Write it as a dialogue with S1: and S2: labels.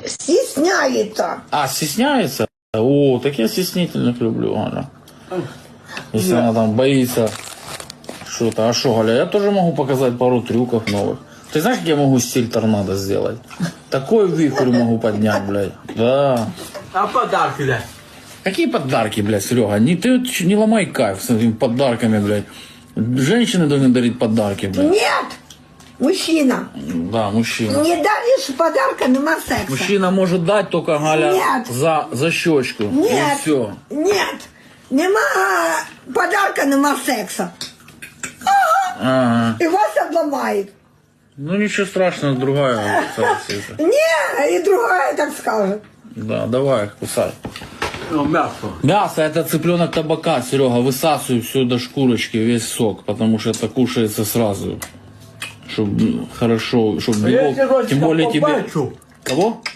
S1: Стесняется.
S2: А, стесняется? О, так я стеснительных люблю, Галя. Если она там боится что-то. А что, Галя, я тоже могу показать пару трюков новых. Ты знаешь, как я могу стиль торнадо сделать? Такой вихрь могу поднять, блядь. Да.
S3: А подарки, да?
S2: Какие подарки, блядь, Серега? Ты не ломай кайф с этими подарками, блядь. Женщины должны дарить подарки, блядь.
S1: Нет, мужчина.
S2: Да, мужчина.
S1: Не даришь подарка, нема секса.
S2: Мужчина может дать только, Галя,
S1: Нет.
S2: за щечку.
S1: Нет,
S2: И все.
S1: нет, нема подарка, нема секса.
S2: Ага.
S1: И вас обламает.
S2: Ну ничего страшного, другая кусается.
S1: Не, и другая так скажет.
S2: Да, давай, кусай.
S3: Ну, мясо.
S2: Мясо это цыпленок табака, Серега, высасывай все до шкурочки, весь сок, потому что это кушается сразу. Чтобы хорошо, чтобы
S3: Я
S2: белок,
S3: тебе
S2: тем более тебе...
S3: побачу.
S2: Кого?